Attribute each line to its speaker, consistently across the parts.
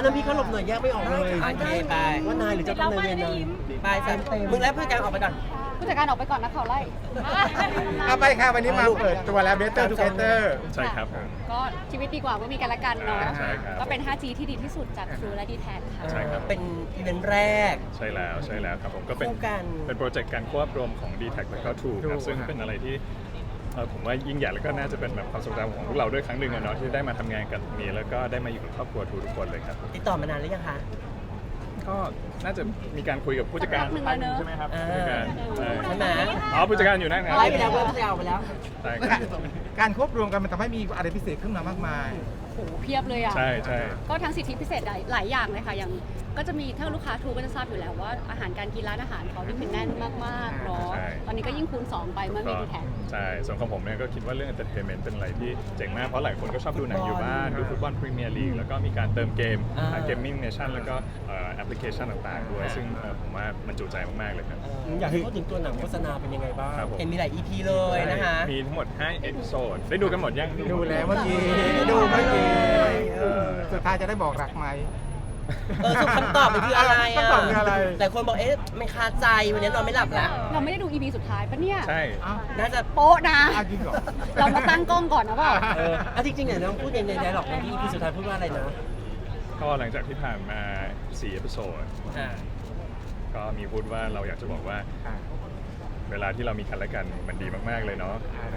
Speaker 1: นั้นพี่เขาหลบหน่อยแยกไม่ออกเลย
Speaker 2: โอเคไป
Speaker 1: ว่านายหรือเจ้ากรรมนายเวรนาย
Speaker 2: ไปสันมึงแล้วผู้จัดการออกไปก่อน
Speaker 3: ผู้จัดการออกไปก่อนนะเขาไล่
Speaker 4: เอาไปค่ะวันนี้มาเปิดตัวแล้ว Better Together
Speaker 5: ใช่ครับผม
Speaker 3: ก็ชีวิตดีกว่าเมื่อมีกันและกันเนาะ
Speaker 5: ใช่ครับ
Speaker 3: ก็เป็น 5G ที่ดีที่สุดจาก True และ d t แทค่ะ
Speaker 5: ใช่ครับ
Speaker 2: เป็นอีเวนต์แรก
Speaker 5: ใช่แล้วครับผมก็เป็น
Speaker 2: คู่กัน
Speaker 5: เป็นโปรเจกต์การควบรวมของ d t แทและก็ True ครับ
Speaker 4: True
Speaker 5: ซึ่งเป็นอะไรที่ผมว่ายิ่งใหญ่แล้วก็น่าจะเป็นแบบความทรงจำของพวกเราด้วยครั้งหนึ่งอะเนาะที่ได้มาทำงานกันตรงนี้แล้วก็ได้มาอยู่กับครอบครัว True ทุกคนเลยครับ
Speaker 2: ติดต่อมานานหรือยังคะ
Speaker 5: ก็น่าจะมีการคุยกับผู้จัดการ
Speaker 3: สักพักหนึ่งแล้วเนอะ
Speaker 5: ใช่ไหมครับผู้จัดการ
Speaker 2: ใช่ไหม
Speaker 5: อ๋อผู้จัดการอยู่นั่นครับ
Speaker 2: ไล่ไปแล้วผู้จัดการออกไปแล้ว
Speaker 5: ใช่ครับ
Speaker 4: การควบรวมกันมันทำให้มีอะไรพิเศษขึ้นมามากมาย
Speaker 3: โหเพียบเลยอ่ะ
Speaker 5: ใช่ใช่
Speaker 3: ก็ทั้งสิทธิพิเศษหลายอย่างเลยค่ะ อย่างก็จะมีถ้าลูกค้าทูก็จะทราบอยู่แล้วว่าอาหารการกินร้านอาหารเขาที่เป็นแน่นมากๆเนาะ ตอนนี้ก็ยิ่งคูณ 2 ไปเมื่อมี d t แท
Speaker 5: ใช่ส่วนของผมเนี่ยก็คิดว่าเรื่อง entertainment เป็นอะไรที่เจ๋งมากเพราะหลายคนก็ชอบดูหนังอยู่บ้านดูฟุตบอลพรีเมียร์ลีกแล้วก็มีการเติมเกมเกมมิ่งเนชั่นแล้วก็แอปพลิเคชันต่างๆด้วยซึ่งผมว่ามันจุใจมากๆเลยครับ
Speaker 1: อยากให้พูดถึงตัวหนังโฆษณาเป็นยังไงบ้าง
Speaker 5: ครับผม
Speaker 2: เห็นมีหลาย EP เลยนะคะ
Speaker 5: มีทั้งหมด5 เอพิโซดได้ดูกันหมดยัง
Speaker 4: ดูแล้วเมื่อกี้ดูเมื่อกี้สุดท้ายจะได้บอกรักไหม
Speaker 2: สุดคำตอบมันคืออะไร
Speaker 4: คำตอบคืออะไร
Speaker 2: หลายคนบอกมันคาใจวันนี้นอนไม่หลับแล้ว
Speaker 3: เราไม่ได้ดู EP สุดท้ายปะเนี่ย
Speaker 5: ใช่
Speaker 4: อ้าว
Speaker 2: น่าจะ
Speaker 3: โป๊ะนะ
Speaker 4: อ้าวจริงเหรอ
Speaker 3: เรามาตั้งกล้องก่อนนะเปล่า
Speaker 1: จริงๆเนี่ยน้องพูดในไดร็อกในที่พี่สุดท้ายพูดว่าอะไรนะ
Speaker 5: ก็หลังจากที่ผ่านมา4 เอพิโซด
Speaker 2: อ่า
Speaker 5: ก็มีพูดว่าเราอยากจะบอกว่า เวลาที่เรามีกันและกันมันดีมากๆเลยเนาะ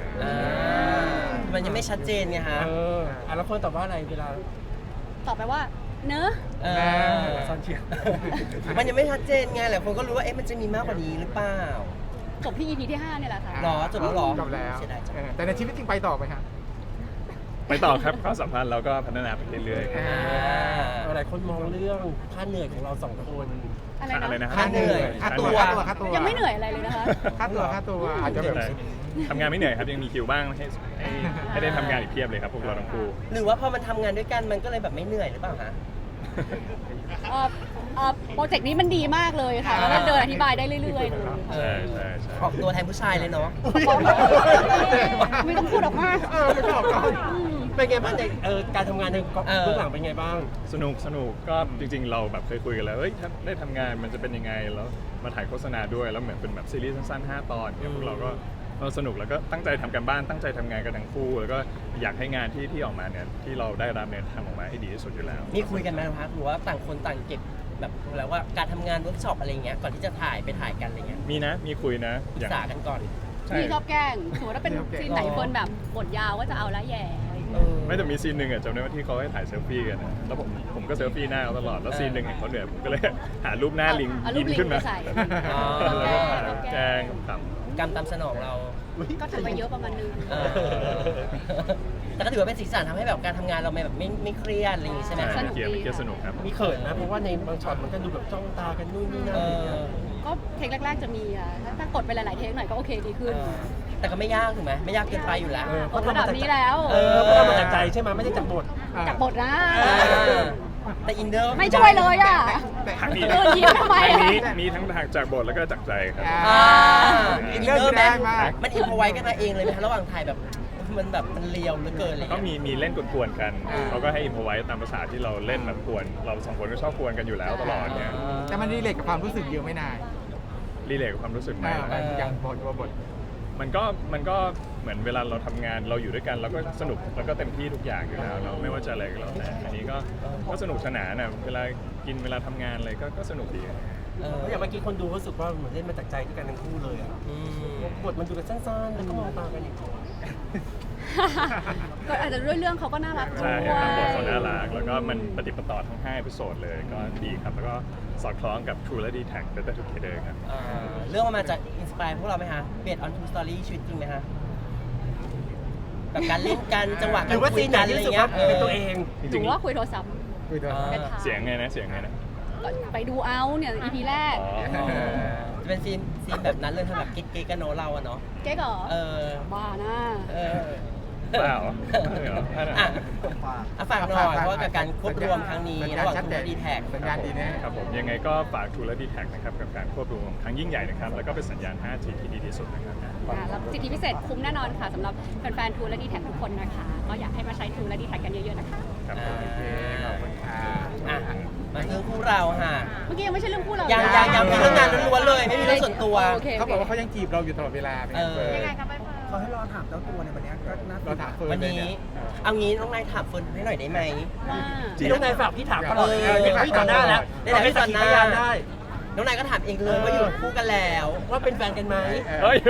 Speaker 2: มันยังไม่ชัดเจนไงฮะ
Speaker 1: แล้วคนตอบว่าอะไรเวลา
Speaker 3: ตอบไปว่า เนอะ
Speaker 1: ซอนเชียร์
Speaker 2: มันยังไม่ชัดเจนไงหลายคนก็รู้ว่ามันจะมีมากกว่านี้หรือเปล่า
Speaker 3: จบที่ EP ที่ 5 เนี่ยแหละค่ะ
Speaker 2: หรอจบแล้วหรอ
Speaker 4: จบแล้ว
Speaker 2: เสียดายจัง
Speaker 4: แต่ในชีวิตจริงไปต่อไหมครับ
Speaker 5: ไปต่อครับความสัมพันธ์เราก็พัฒนาไปเรื่อยๆครับ
Speaker 1: หลายคนมองเรื่องค่าเหนื่อยของเราสองคน
Speaker 3: อะไรนะ
Speaker 5: นะ
Speaker 2: ค่าเหนื่อย
Speaker 4: ค่าตัว
Speaker 3: ยังไม่เหนื่อยอะไรเลยนะคะ
Speaker 4: ค่าตัวอาจจะแบบ
Speaker 5: ทำงานไม่เหนื่อยครับยังมีคิวบ้างให้ได้ทำงานอีกเพียบเลยครับพวกเราทั้งคู่
Speaker 2: หรือว่าพอมันทำงานด้วยกันมันก็เลยแบบไม่เหนื่อยหรือเปล่าฮะ
Speaker 3: โปรเจกต์นี้มันดีมากเลยค่ะ แล้วก็เดินอธิบายได้เรื่อยๆเลย
Speaker 5: ใช่ใช่
Speaker 2: ออกตัวแทนผู้ชายเลยเนาะ
Speaker 3: ไม่ต้องพูดออกมา
Speaker 4: ไม่ชอบเขา
Speaker 1: เป็นไงบ้างในการทำงานในเบื้องหลังเป็นไงบ้าง
Speaker 5: สนุกก็จริงๆเราแบบเคยคุยกันแล้วเฮ้ยถ้าได้ทำงานมันจะเป็นยังไงแล้วมาถ่ายโฆษณาด้วยแล้วเหมือนเป็นแบบซีรีส์สั้นๆ5 ตอนเนี่ยพวกเราก็สนุกแล้วก็ตั้งใจทำกันบ้านตั้งใจทำงานกันทั้งคู่แล้วก็อยากให้งานที่ออกมาเนี่ยที่เราได้รับเนี่ยทำออกมาให้ดีที่สุดอยู่แล้ว
Speaker 2: มีคุยกันไหมครับหรือว่าต่างคนต่างเก็บแบบแล้วว่าการทำงานเวิร์กช็อปอะไรเงี้ยก่อนที่จะถ่ายกันอะไรเงี้ย
Speaker 5: มีนะมีคุยนะ
Speaker 2: ปรึกษากันก่อน
Speaker 5: ใช่
Speaker 3: พี่ชอบแกล้งสมมติว่าเป็นซีนไหนคนแบบบทยาวก็จะเอาละแย่อะไรอย่างเงี้ย
Speaker 5: ไม่แต่มีซีนหนึ่งอะจำได้ว่าที่เขาให้ถ่ายเซลฟี่กันนะแล้วผมก็เซลฟี่หน้าเขาตลอดแล้วซีนหนึ่งเห็นเขาเหนื่อยผมก็เลยหารูปหน้าลิง
Speaker 3: เอารู
Speaker 5: ยิ้
Speaker 3: ป
Speaker 5: ม
Speaker 3: ลิง
Speaker 5: ขึ้นมา
Speaker 3: ไปใส่
Speaker 5: แล้วก็แกล้งขำ
Speaker 2: กรรมตามสนองเรา
Speaker 3: ก็ทำไปเยอะประมาณนึง
Speaker 2: แต่ก็ถือว่าเป็นสีสันทำให้แบบการทำงานเราแบบไม่เครียดอะไรอย่างงี้ใช่ไหม
Speaker 5: ใช่เกียร์สนุกครับ
Speaker 1: มีเขินนะเพราะว่าในบางช็อตมันก็ดูแบบจ้องตากันนู่นนี่นั่นอะไรอย่างเงี้ย
Speaker 3: ก็เทคแรกๆจะมีอ่ะถ้ากดไปหลายๆเทคหน่อยก็โอเคดีขึ้น
Speaker 2: แต่ก็ไม่ยากถูกไหมไม่ยากเกินไปอยู่แล้ว
Speaker 3: กดระดับนี้แล้ว
Speaker 1: เพราะเรามาจากใจใช่ไหมไม่ได้จากบท
Speaker 3: จากบทนะ
Speaker 2: แต่อินเดอร์
Speaker 3: ไม่ช่วยเลยอ่ะ
Speaker 5: ทางนี้
Speaker 3: เออยิ้มทำไม
Speaker 5: ทางนี้มีทั้งทางจากบทแล้วก็จากใจครับ
Speaker 2: อินเดอร์แมนมันอินพอไว้กันมาเองเลยไหมคะระหว่างถ่ายแบบมันแบบมันเลียวเหลือเกินเลย
Speaker 5: ก็มีเล่นกวนๆกันเขาก็ให้อินพอไว้ตามภาษาที่เราเล่นแบบกวนเราสองคนก็ชอบกวนกันอยู่แล้วตลอดเนี่ย
Speaker 4: แต่มันรีเลทกับความรู้สึกเยอะไม่นาน
Speaker 5: รีเลทกับความรู้สึกไหม
Speaker 4: อย่างบท
Speaker 5: มันก็เหมือนเวลาเราทำงานเราอยู่ด้วยกันเราก็สนุกแล้วก็เต็มที่ทุกอย่างอยู่แล้วเนาะไม่ว่าจะอะไรก็แล้วแต่อันนี้ก็สนุกสนานนะเวลากินเวลาทำงานอะไรก็สนุกดี
Speaker 1: อย่างเมื่อกี้คนดูรู้สึกว่าเหมือนเล่นมาจากใจด้วยกันทั้งคู่เลยอ่ะบทมันดูแบบสั้นๆแล้วก็มองตากันอย่างเงี้ย
Speaker 3: ก็อาจจะด้วยเรื่องเขาก็น่ารักด้
Speaker 5: ใช่
Speaker 3: วย
Speaker 5: ตามบทเขาน่ารักแล้วก็มันปฏิปต่อทั้ง5 เอพิโซดเลยก็ดีครับแล้วก็สอดคล้องกับ True และ d t แท Better Together ครับ
Speaker 2: เรื่องมันมาจากอินสปายพวกเราไหมฮะเบสออนทูสตอรี่ชีวิตจริงไหมฮะแบบการเล่นกันจังหวะ
Speaker 1: หรือว่าซีนไหนที่รู้สึกว่าเป็นตัวเอง
Speaker 5: จ
Speaker 3: ห
Speaker 5: ริ
Speaker 3: รื
Speaker 5: ง
Speaker 3: อว่าคุยโทรศัพท์
Speaker 4: คุยตัว
Speaker 5: ๆเสียงไงนะ
Speaker 3: ไปดูเอาเนี่ย EP แรก
Speaker 2: จะเป็นซีนแบบนั้นเลยทำแบบกิ๊กๆกันโนเราอะเนาะ
Speaker 3: เก๊กเหรอ
Speaker 2: เออ
Speaker 3: บ้านะ
Speaker 2: เออ
Speaker 5: เปล่าไม่เหรอ
Speaker 2: อ่ะฝากหน่อยเพราะว่ากับการควบรวมครั้งนี้ระหว่าง
Speaker 4: ชัด
Speaker 2: ทู
Speaker 4: เจ
Speaker 2: และ
Speaker 4: น
Speaker 2: ดีแท็ก
Speaker 4: สัญญาณดีแน่
Speaker 5: ครับผมยังไงก็ฝาก True และ d t แทนะครับกับการควบรวมครั้งยิ่งใหญ่นะครับแล้วก็เป็นสัญญาณ 5G ที่ดีที่สุดนะครับ
Speaker 3: รับสิทธิพิเศษคุ้มแน่นอนค่ะสำหรับแฟนๆทูและดีแท็ทุกคนนะคะ ก็อยากให้มาใช้ทูและดีแท็กันเยอะๆนะคะ
Speaker 5: ครับ
Speaker 2: อ่า
Speaker 5: ผม
Speaker 4: ขอบคุณค่ะ
Speaker 2: อ่ะมาเรื่องคู่เราค่ะ
Speaker 3: เมื่อกี้ยังไม่ใช่เรื่องคู่เรา
Speaker 2: ยั
Speaker 3: ยัง
Speaker 2: มีเรื่องงานล้วนๆเลยไม่มีเรื่องส่วนตัว
Speaker 3: โอเค
Speaker 4: เขาบอกว่าเขายังจีบเราอยู่ตลอดเวลาเป็นไงเฟิร์น
Speaker 3: ยังไงคะใบเฟิร์น
Speaker 6: เขาให้รอถามเจ้าตัวในวันเนี้ยก็น่า
Speaker 4: เราถามเฟิร์น
Speaker 2: วัน
Speaker 4: เลย
Speaker 2: นี้
Speaker 4: เนี่ย
Speaker 2: เอางี้น้องนายถามเฟิร์นให้หน่อยได้ไหม
Speaker 3: ว่า
Speaker 1: พี่น้องนายฝากพี่ถามตลอด
Speaker 2: เออ
Speaker 1: พี่ต่อหน้าแล้ว
Speaker 2: ได้แล้วพี่ต่อหน้า
Speaker 1: พยานได้
Speaker 2: น้องนายก็ถามเองเลยว่าอยู่คู่กันแล้ว
Speaker 1: ว่าเป็นแฟนกันไหม
Speaker 5: เฮ้ย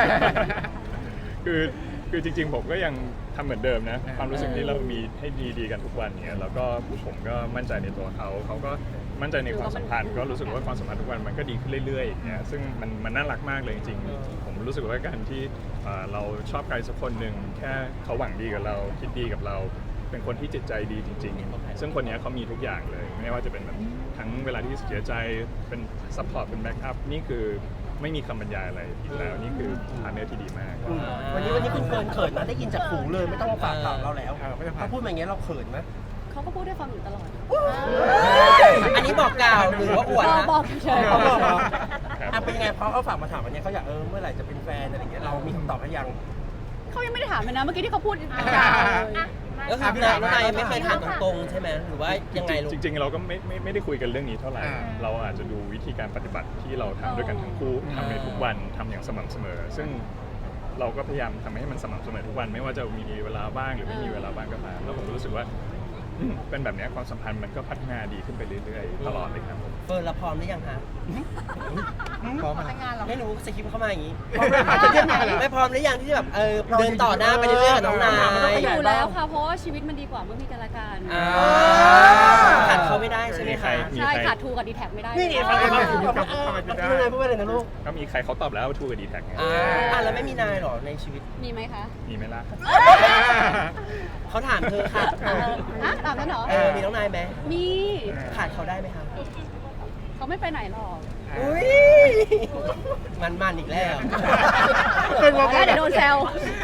Speaker 5: คือจริงๆผมก็ยังทำเหมือนเดิมนะความรู้สึกที่เรามีให้ดีๆกันทุกวันเนี่ยแล้วก็ผมก็มั่นใจในตัวเขาก็มั่นใจในความสัมพันธ์ก็รู้สึกว่าความสัมพันธ์ทุกวันมันก็ดีขึ้นเรื่อยๆอย่างเงี้ยซึ่งมันน่ารักมากเลยจริงๆผมรู้สึกว่าการที่เราชอบใครสักคนหนึ่งแค่เขาหวังดีกับเราคิดดีกับเรา เป็นคนที่จิตใจดีจริงๆ ซึ่งคนนี้เขามีทุกอย่างเลย ไม่ว่าจะเป็นแบบทั้งเวลาที่เสียใจเป็นซัพพอร์ตเป็นแบ็กอัพนี่คือไม่มีคำบรรยายอะไรอีกแล้วนี่คือพาร์ทเนอร์ที่ดีมาก
Speaker 1: วันนี้คุณเฟิร์นเขินนะได้ยินจากหูเลยไม่ต้องมาฝากถามเราแล้ว
Speaker 4: ไม่ต้องฝาก
Speaker 1: เขาพูดมาอย่างเงี้ยเราเขินไหม
Speaker 3: เขาก็พูดได้ฟังอยู่ตลอด
Speaker 2: อันนี้บอกกล่าวหรือว่าอวดนะ
Speaker 3: บอกเฉยๆ
Speaker 1: เขาบอกเหรอ
Speaker 5: ครับ
Speaker 1: อ่ะเป็นยังไงเพราะเขาฝากมาถามวันนี้เขาอยากเมื่อไหร่จะเป็นแฟนอะไรอย่างเงี้ยเรามีคำตอบให้ยัง
Speaker 3: เขายังไม่ได้ถามเลยนะ เมื่อกี้ที่เขาพูดยาวเลย
Speaker 2: ก็คือน้องนายยังไม่เคยถามตรงๆใช่ไหมหรือว่ายังไงลูก
Speaker 5: จริงๆเราก็ไม่ได้คุยกันเรื่องนี้เท่าไหร่ เราอาจจะดูวิธีการปฏิบัติที่เราทำด้วยกันทั้งคู่ทำในทุกวันทำอย่างสม่ำเสมอ ซึ่งเราก็พยายามทำให้มันสม่ำเสมอทุกวัน ไม่ว่าจะมีเวลาบ้างหรือไม่มีเวลาบ้างก็ตามแล้วผมรู้สึกว่าเป็นแบบนี้ความสัมพันธ์มันก็พัฒนาดีขึ้นไปเรื่อยๆตลอดเลยครับผม
Speaker 2: เฟิร์นเราพร้อมหรือยังฮะ
Speaker 4: พร้อมอะไร
Speaker 2: ไม่รู้สคริปต์เข้ามาอย่างนี้
Speaker 3: จะเทียบไหน
Speaker 2: ไม่พร้อมหรือยังที่แบบเดินต่อหน้าไปเรื่อยๆกับน้องนาย
Speaker 3: อยู่แล้วค่ะ เพราะว่าชีวิตมันดีกว่าเมื่อมีกันและกัน
Speaker 2: ขาดเขาไม่ได้ใช่ไหมคะ
Speaker 3: ใช่ขาดทูกับดีแท็ไม่ได้
Speaker 1: นี่ฟังเขาพูดยังไงพูดอะไรนะลูก
Speaker 5: ก็มีใครเขาตอบแล้วว่าทูกับดีแท็กไง
Speaker 2: แล้วไม่มีนายหรอในชีวิต
Speaker 3: มีไหมคะ
Speaker 5: มีไหมล่ะ
Speaker 2: เขาถามเธอค่ะ
Speaker 3: ตามนั้นเหรอ
Speaker 2: มีน้องนายไหม
Speaker 3: มี
Speaker 2: ขาดเขาได้ไหมคะ
Speaker 3: เขาไม่ไปไหนหรอก
Speaker 2: อุ้ยมันอีกแล้ว
Speaker 3: แล้วเดี๋ยวโดนแซว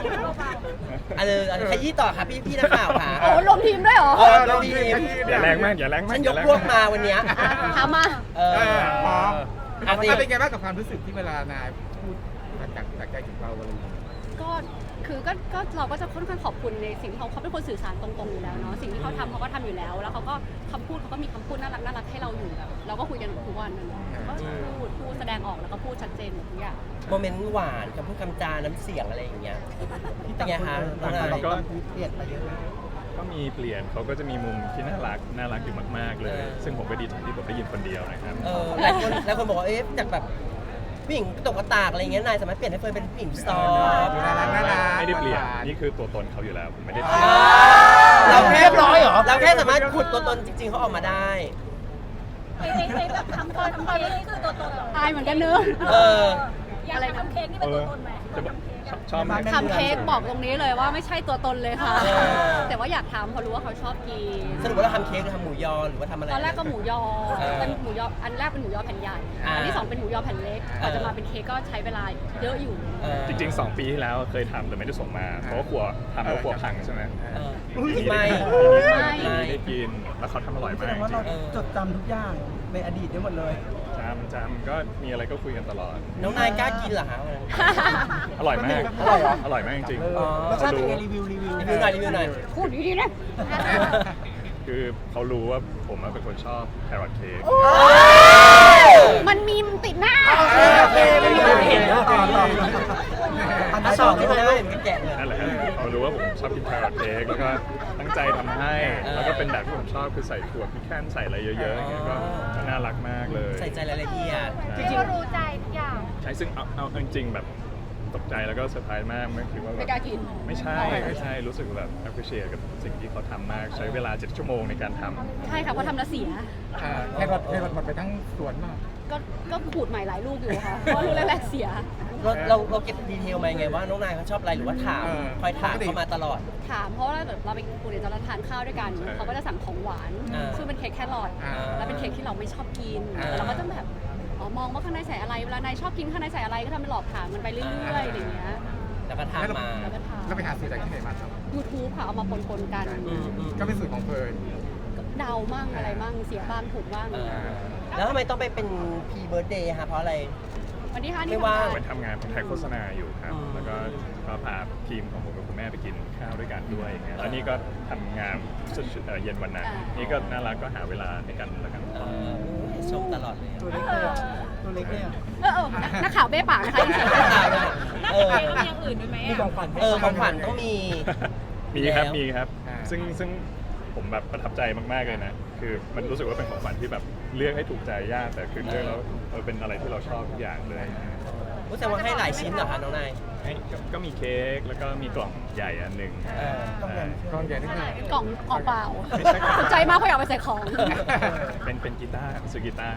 Speaker 2: ขยี้ต่อค่ะพี่นักข่าวค่ะ
Speaker 3: โอ้รวมทีมด้วยเหรอ
Speaker 2: เราดี
Speaker 5: อย่าแรงมากอย่าแรงมาก
Speaker 2: ฉันยกพวกมาวันเนี้ย
Speaker 3: ถามมา
Speaker 4: พร้อม
Speaker 2: อ่ะสิ
Speaker 4: เป็นไงบ้างกับความรู้สึกที่เวลานายพูดจากใจถึงเราอะไรอย่างเงี้ย
Speaker 3: ก็คือก็เราก็จะค่อนข้างขอบคุณในสิ่งที่เขาเป็นคนสื่อสารตรงๆอยู่แล้วเนาะสิ่งที่เขาทำเขาก็ทำอยู่แล้ว แล้วเขาก็คำพูดเขาก็มีคำพูดน่ารักให้เราอยู่แบบเราก็คุยกันทุกวันนะเนาะก็พูดแสดงออกแล้วก็พูดชัดเจนหมดทุกอย่าง
Speaker 2: โมเมนต์หวานคำพูดคำจาน้ำเสียงอะไรอย่างเงี้ยเป็นไงคะน้องนาย
Speaker 5: ก็
Speaker 6: เปลี่ยนไปเยอะเลย
Speaker 5: ก็มีเปลี่ยนเขาก็จะมีมุมที่น่ารักอยู่มากๆเลย ซึ่งผมก็ดีใจที่ผมได้ยินคนเดียวนะครับ
Speaker 2: หลายคนบอกว่าจากแบบผู้หญิงตกกระตากอะไรเงี้ยนายสามารถเปลี่ยนให้เฟิร์นเป็นผู้หญิงซอฟต์
Speaker 4: น่ารัก
Speaker 5: ไม่ได้เปลี่ยนนี่คือตัวตนเขาอยู่แล้วผมไม่ได้เป
Speaker 2: เรา
Speaker 5: ลี่ยน
Speaker 2: แค่
Speaker 1: เรียบร้อยเหรอ
Speaker 2: เราแค่สามารถขุดตัวตนจริงๆเขาออกมาได้
Speaker 7: ในแบบทำเค้กนี่คือตัวตนเหรอ
Speaker 3: อายเหมือนกันเนอะ
Speaker 7: อยากทำเค้กนี่เป็นตัวตนไหม
Speaker 5: จะบอกชอบไหม
Speaker 3: ทำเค้กบอกตรงนี้เลยว่าไม่ใช่ตัวตนเลยค่ะ
Speaker 2: เออ
Speaker 3: แต่ว่าอยากทำเพราะรู้ว่าเขาชอบกิน
Speaker 2: สรุปว่าเราทำเค้กหรือทำหมูยอหรือว่าทำอะไร
Speaker 3: ตอนแรกก็หมูยอเป็นหมูยออันแรกเป็นหมูยอแผ่นใหญ่ อันที่สองเป็นหมูยอแผ่นเล็กกว่าจะมาเป็นเค้กก็ใช้เวลาเยอะอยู่
Speaker 5: จริงๆ 2 ปีที่แล้วเคยทำแต่ไม่ได้ส่งมา เพราะว่าครัวทำแล้วครัวพังใช่ไหม
Speaker 2: ไม่
Speaker 5: ไม่ได้กินแล้วเขาทำอร่อย
Speaker 6: แส
Speaker 5: มา
Speaker 6: ด
Speaker 5: ก
Speaker 6: งว่า
Speaker 5: จริ
Speaker 6: เรา
Speaker 5: ง
Speaker 6: จดจำทุกอย่างในอดีตได้หมดเลย
Speaker 5: จำก็มีอะไรก็คุยกันตลอด
Speaker 2: น้องนายกล้ากินเหรอฮะ
Speaker 5: อร่อยมาก
Speaker 6: อร่อยเหรอ
Speaker 5: อร่อยมากจริง
Speaker 6: รสชาติเป็นไงรีวิว
Speaker 2: รีวิวหน่อยรีวิวหน่อย
Speaker 3: พูดดีๆนะ
Speaker 5: คือเขารู้ว่าผมเป็นคนชอบแครอทเค้ก
Speaker 3: มันมีมติดหน้า
Speaker 1: โอเคไม่มีอะไรเห็นนะต่อ
Speaker 2: ถ้าชอบกินได้เหมือนแกะเลย
Speaker 5: นั่นแหละครับเขารู้ว่าผมชอบกินแครอทเค้กแล้วก็ตั้งใจทำให้ แล้วก็เป็นแบบที่ผมชอบคือใส่ถั่วพริกแค่นใส่อะไรเยอะๆอย่างเงี้ยก็น่ารักมากเลย
Speaker 2: ใส่ใจรายละเอียด
Speaker 7: จริงๆรู้ใจทุกอย่าง
Speaker 5: ใช่ซึ่งเอาจริงๆแบบตกใจแล้วก็เซอร์ไพรส์มากไม่คิดว่าแบ
Speaker 3: ไม่
Speaker 5: บ
Speaker 3: กล้ากิน
Speaker 5: ไม่ใช่รู้สึกแบบ appreciate กับสิ่งที่เขาทำมากใช้เวลา7 ชั่วโมงในการทำ
Speaker 3: ใช่ค่ะเพราะทำแล้วเสีย
Speaker 4: แครอทหมดไปทั้งสวนมาก
Speaker 3: ก็ขูดใหม่หลายลูกอยู่ค่ะ เพราะลูกแรกๆเสีย
Speaker 2: เราเก็บดีเทลมาไงว่าน้องนายเขาชอบอะไรหรือว่าถามคอยถามเขามาตลอด
Speaker 3: ถามเพราะว่าแบบเราไปกูเดี๋ยวเราทานข้าวด้วยกัน เขาก็จะสั่งของหวาน ซึ่งเป็นเค้กแครอทแล้วเป็นเค้กที่เราไม่ชอบกินแต่เราก็จะแบบมองว่าข้างในใส่อะไร เวลานายชอบกินข้างในใส่อะไรก็ทำเป็นหลอกถามมันไปเรื่อยๆอย่างเงี้ย
Speaker 2: แล้วก็ทำมา
Speaker 3: แล้วก็ถาม
Speaker 4: เราไปหาสูตรจากที่ไหนมาครับ
Speaker 3: YouTube ค่ะเอามาปนๆกัน
Speaker 4: ก็เป็นสูตรของเฟิร์น
Speaker 3: เดามั่งอะไรมั่งเสียบ้างถูกบ้าง
Speaker 2: แล้วทำไมต้องไปเป็นพีเบิร์ดเดย์คะเพราะอะไร
Speaker 3: วันที่5
Speaker 2: ไม่
Speaker 3: นี่
Speaker 2: ว่าง
Speaker 5: ไปทำงานผมถ่ายโฆษณาอยู่ครับ
Speaker 2: อืม
Speaker 5: แล้วก็พาทีมของผมกับคุณแม่ไปกินข้าวด้วยกันด้วยอย่างเงี้ยแล้วนี่ก็ทำงานเย็นวันนั้นนี่ก็น่ารักก็หาเวลาให้กันแล้วกัน
Speaker 2: ชมตลอดเลย
Speaker 6: ตัวเล็กเลยอะตัวเล็กเลยอะ
Speaker 3: นักข่าวเบ้ปากนะคะอินเสิร์ต
Speaker 7: น่าจะมีอย่างอื่นด้วยไหม
Speaker 6: มีของขวัญให้
Speaker 2: ของขวัญต้องมี
Speaker 5: มีครับ
Speaker 2: แล้ว
Speaker 5: มีครับ ซึ่งผมแบบประทับใจมากๆเลยนะ คือมันรู้สึกว่าเป็นของขวัญที่แบบเลือกให้ถูกใจยาก แต่คือเลือกแล้วเป็นอะไรที่เราชอบทุกอย่างเลย
Speaker 2: รู้สึกว่าให้หลายชิ้นเหรอคะน้องนาย
Speaker 5: ก็มีเค้กแล้วก็มีกล่องใหญ่อันหนึ่ง
Speaker 4: กล้องใหญ่นิดนึง
Speaker 3: กล่องเปล่าสนใจมากเพราะอยากไปใส่ของ
Speaker 5: เป็นกีตาร์ซื้อกีตาร์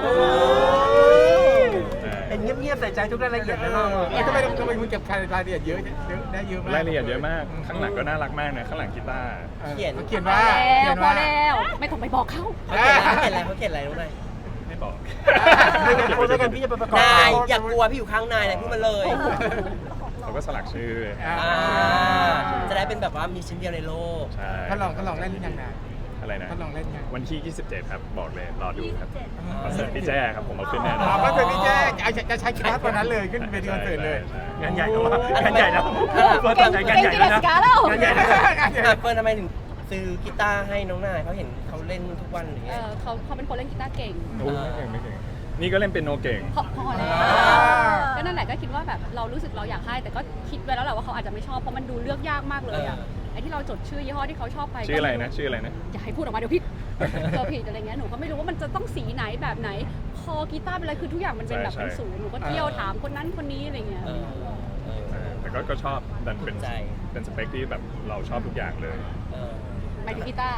Speaker 1: เป็นเงียบๆใส่ใจทุกรายละเอียดนะเรา
Speaker 4: ทำไมคุณเก็บรายละเอียดเยอะได้เยอะมาก
Speaker 5: รายละเอียดเยอะมาก ข้างหลังก็น่ารักมากนะข้างหลังกีตาร์
Speaker 2: เขียน
Speaker 4: เขียน
Speaker 3: พอ
Speaker 4: ว่า
Speaker 3: แล้วพอแล้วไม่ต้องไปบอกเขา
Speaker 2: เขาเขียนอะไรเขาเขียนอะไรน้องนาย
Speaker 5: ไม่บอก
Speaker 1: ไม่กันพี่จะไปประกอบ
Speaker 2: นายอย่ากลัวพี่อยู่ข้างนายนายพูดมาเลย
Speaker 5: เขาก็สลักชื่อ
Speaker 2: จะได้เป็นแบบว่ามีชิ้นเดียวในโลก
Speaker 5: ใช่
Speaker 4: เขาลองเล่นยังไง
Speaker 5: อะไรนะ
Speaker 4: เขาลองเล่นยัง
Speaker 5: วันที่ 27 ครับ บอกเลย รอดูครับคอนเสิร์ตพี่แจ้ครับ ผมเอาขึ้นแน่นอน
Speaker 4: ก็คือพี่แจ๊จะใช้คลาสวันนั้นเลยขึ้นเวทีคอนเสิร์ตเลย
Speaker 1: งานใหญ่นะวะงานใหญ่นะ
Speaker 3: เก่งเก่งจิเดสกาแล้ว
Speaker 1: งานใหญ่นะ
Speaker 2: เฟิร์นทำไมถึงซื้อกีตาร์ให้น้องนายเขาเห็นเขาเล่นทุกวันหรือไง
Speaker 3: เขาเป็นคนเล่นกีตาร์เก่ง
Speaker 5: โอ้ไม่เก่ง นี่ก็เล่นเป็นโนเก่ง
Speaker 3: พอแล้วก็นั่นแหละก็คิดว่าแบบเรารู้สึกเราอยากให้แต่ก็คิดไว้แล้วแหละว่าเขาอาจจะไม่ชอบเพราะมันดูเลือกยากมากเลยอ่ะไอ้ที่เราจดชื่อยี่ห้อที่เขาชอบไป
Speaker 5: ชื่ออะไรนะ ชื่ออะไรนะ
Speaker 3: อย่าให้พูดออกมาเดี๋ยวผิดเจอผิดอะไรเงี้ยหนูก็ไม่รู้ว่ามันจะต้องสีไหนแบบไหนคอกีตาร์เป็นอะไรคือทุกอย่างมันเป็นแบบเป็นศูนย์หนูก็เที่ยวถามคนนั้นคนนี้อะไรเงี้ย
Speaker 5: แต่ก็ชอบดันเป็นสเปคที่แบบเราชอบทุกอย่างเลย
Speaker 3: หมายถึงกีตาร์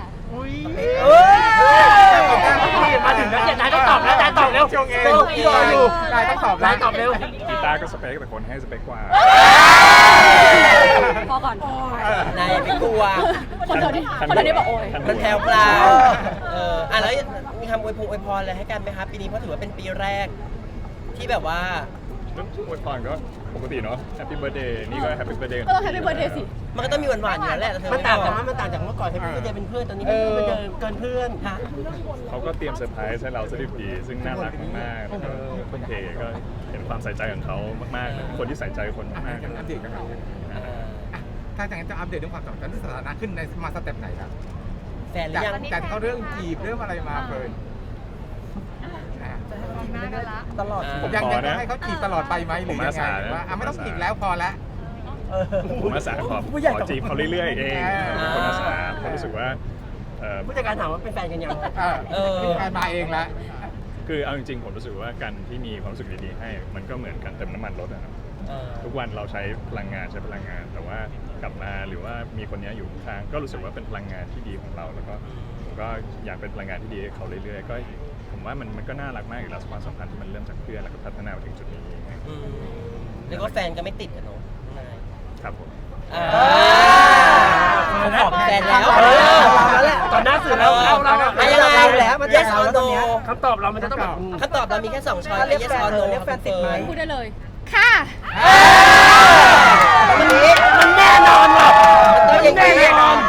Speaker 1: มาถึงแล้วนายต้องตอบแล้วนายตอบเร็ว
Speaker 4: ช่วงเอง
Speaker 1: พี่รออยู่
Speaker 4: นายต้องตอบ
Speaker 1: นายตอบเร็ว
Speaker 5: กีตาร์ก็สเปคแต่คนให้สเปคกว่า
Speaker 3: พอก่อน
Speaker 2: นายไม่กลัว
Speaker 3: คนเดียวนี้บอกโอย
Speaker 2: มันแพลวแล้วมีคำอวยพรอะไรให้กันไหมครับปีนี้เพราะถือว่าเป็นปีแรก ที่แบบว่า
Speaker 5: เรื่องอวยพรก็ปกติเนาะ Happy Birthday นี่ก็ Happy Birthday
Speaker 3: ก็ต้องแฮปปี้เบิร์ดเดย์สิ
Speaker 2: มันก็ต้องมีหวานๆอยู่แล้วแหละ
Speaker 1: มันต่างจากเมื่อก่อนให้พี่ก็จะเป็นเพื่อนตอนนี้พี่ก็จะเกินเพื่อนฮะ
Speaker 5: เขาก็เตรียมเซอร์ไพรส์ให้เราสดิบดีซึ่งน่ารักมากๆแล้วก็คนเทก็เห็นความใส่ใจของเขามากๆเลยคนที่ใส่ใจคนมากๆ
Speaker 4: อัปเดตกันหน่อยถ้าอย่างนั้นจะอัปเดตเรื่องความสัมพันธ์ที่สถานะขึ้นในมาสเต็ปไหนครับ
Speaker 2: แฟนหรือยัง
Speaker 4: จากเขาเรื่องจีบเรื่องอะไรมาเฟิร์น
Speaker 6: ตลอด
Speaker 5: ผมขอนะ
Speaker 4: ยังให้เขาจีบตลอดไปไหมหรือยังไงว่าไม่ต้องจีบแล้วพอแล้ว
Speaker 5: ผมอาสาขอจีบเขาเรื่อยๆเองเป็นคนอาสาเพราะรู้สึกว่า
Speaker 1: ผู้จัดการถามว่าเป็นแฟนกันยัง
Speaker 4: มาเองละ
Speaker 5: คือเอาจริงๆผมรู้สึกว่าการที่มีความรู้สึกดีๆให้ มันก็เหมือนกันเติมน้ำมันรถนะครับทุกวันเราใช้พลังงานแต่ว่ากลับมาหรือว่ามีคนนี้อยู่ข้างก็รู้สึกว่าเป็นพลังงานที่ดีของเราแล้วก็ผมก็อยากเป็นพลังงานที่ดีให้เขาเรื่อยๆก็ผมว่ามันก็น่ารักมากอยู่แล้วความสัมพันธ์ที่มันเริ่มจากเพื่อนแล้วก็พัฒนามาถึงจุดนี้
Speaker 2: เรียกว่าแฟนก็ไม่ติดกันเนาะนาย
Speaker 5: ครับผม
Speaker 2: เขาขอแฟนแล้ว
Speaker 1: ตอนหน้าสื่อแล้วเรา
Speaker 2: ยังไงแล้วมัน yes or no
Speaker 1: คำตอบเรามันจะต้องแบบ
Speaker 2: คำตอบเรามีแค่2ช้อย yes or no
Speaker 6: เรียกแฟนติดไหม
Speaker 3: พูดได้เลย ค่ะ
Speaker 2: มันแน่นอนว่ะมันต้องแน่นอน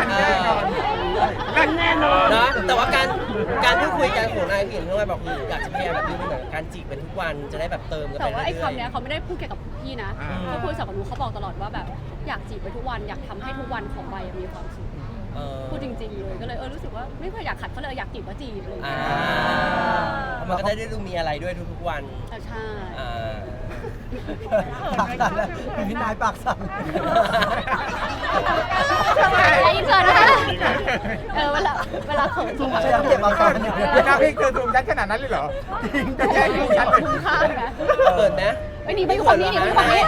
Speaker 2: นะแต่ว่าการพูดคุยกันของนายผู้หญิงเท่าไหร่บอกอยากจะพยายามแบบนี้เหมือนการจีบเป็นทุกวันจะได้แบบเติมกันไป
Speaker 3: แต่
Speaker 2: เรื่
Speaker 3: ว่า
Speaker 2: อย
Speaker 3: ไอ้คำเนี้ยเขาไม่ได้พูดแค่กับพี่นะเขาคุยกับหนูเขาบอกตลอดว่าแบบอยากจีบไปทุกวันอยากทำให้ทุกวันของใบมีความสุขพูดจริงๆเลยก็เลยรู้สึกว่าไม่เคยอยากขัดเขาเลยอยากจีบก็จีบเลย
Speaker 2: มันก็ได้ดูมีอะไรด้วยทุกๆวัน
Speaker 3: ใช่
Speaker 6: ปากสั่นแล้วพี่นายปากสั่น
Speaker 3: ไอ้อินเสิร์ตนะคะเวลาเขิน
Speaker 6: ซูมใช้ต้องเก็บมาก่อนเนี่ย
Speaker 4: หน้าพี่คือซูมชัดขนาดนั้นเลยเหรอจะแย่งชัดเลย
Speaker 3: คุ้มค่าไหม
Speaker 2: เปิดนะ
Speaker 3: ไอ้หนีไปอยู่ฝั่งนี้หนีไปอยู่ฝั่งนี้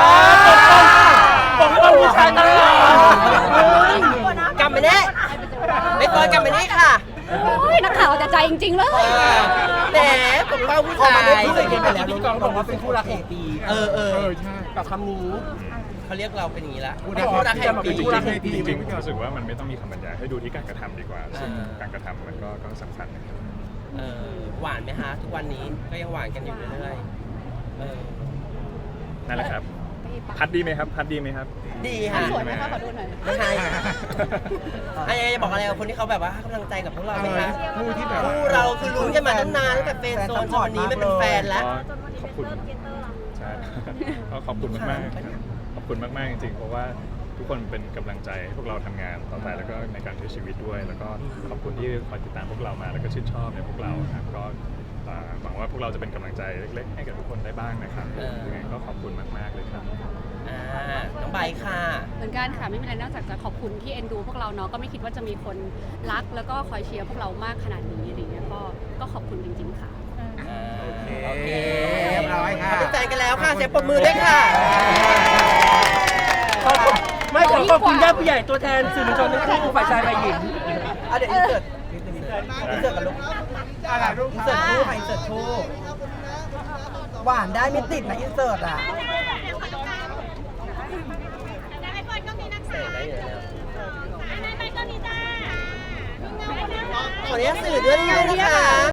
Speaker 1: ผมก็ผู้ชายตลอด
Speaker 2: กลับมาเนี่ยไม่ปล่อยกลับมานี่ค่ะ
Speaker 3: โอ้ยนักข่าวจะใจจริงๆเลย
Speaker 2: แหมผมเป้าผู้
Speaker 1: พอ
Speaker 2: ชา
Speaker 1: มาได้
Speaker 2: ย
Speaker 1: พูดเลยกันไปแล้วพี่กองบอกว่าเป็นคู่รักแห่งปี
Speaker 4: ใช่
Speaker 1: กับคำนี้
Speaker 2: เขาเรียกเราเป็นอย่างนี้ละ
Speaker 4: คู่
Speaker 2: คู่
Speaker 4: รั
Speaker 2: รั
Speaker 4: ก
Speaker 2: ก
Speaker 4: แห่
Speaker 2: แห่
Speaker 4: ง
Speaker 2: ง
Speaker 4: ปี
Speaker 2: ปี
Speaker 5: จริงๆรู้สึกว่ามันไม่ต้องมีคำบรรยายให้ดูที่การกระทำดีกว่าซึ่งการกระทำมันก็สำคัญนะครับ
Speaker 2: หวานไหมฮะทุกวันนี้ก็ยังหวานกันอยู่เรื่อย
Speaker 5: นั่นแหละครับ
Speaker 3: ปัง
Speaker 5: พัดดีไหมครับ พัดดีไหมครับ
Speaker 2: ดี
Speaker 3: อัน
Speaker 2: ค่ะ
Speaker 3: สวยไหมคะขอดูหน่อย
Speaker 2: ไม่ให้ไอ้จะบอกอะไรกับคนที่เขาแบบว่าให้กำลังใจกับพวกเราไหมคะ
Speaker 4: คู่ที่แบบ
Speaker 2: คู่เราคือลุ้นกันมาตั้งนานตั้งแต่เป็นโซนจนวันนี้ไม่เป็นแฟนแล้ว
Speaker 5: ขอบคุณใช่ ก็ขอบคุณมากๆครับขอบคุณมากๆจริงๆ เพราะว่าทุกคนเป็นกำลังใจให้พวกเราทำงานต่อไปแล้วก็ในการใช้ชีวิตด้วย แล้วก็ขอบคุณที่คอยติดตามพวกเรามาแล้วก็ชื่นชอบในพวกเราครับก็หวังว่าพวกเราจะเป็นกำลังใจเล็กๆ ให้กับทุกคนได้บ้างนะครับยังไงก็ขอบคุณมากๆเลยครับ
Speaker 2: น้องใบค่ะ
Speaker 3: เหมือนกันค่ะไม่มีอะไรนอกจากจะขอบคุณที่เอ็นดูพวกเราเนาะก็ไม่คิดว่าจะมีคนรักแล้วก็คอยเชียร์พวกเรามากขนาดนี้อะไรเงี้ยก็ขอบคุณจริงๆค่ะ
Speaker 2: โอเค
Speaker 4: เรียบร้อยค่ะ
Speaker 2: เป็นแฟนกันแล้วค่ะเสียงปรบมือด้วยค่ะ
Speaker 1: ไม่ขอขอบคุณญาติผู้ใหญ่ตัวแทนสื่อมวลชนทั้งคู่ฝ่ายชายฝ่ายหญิง
Speaker 6: เดี๋ยวอินเสิร์ตอินเสิร์ตกับลูก
Speaker 4: อะไรรูป
Speaker 6: อินเสิร์ตคู่ค่ะอินเสิร์ตคู่หวานได้ไม่ติดนะอินเสิร์ตอ่ะ
Speaker 2: ขออนุญาตสื่อด้วยนะคะ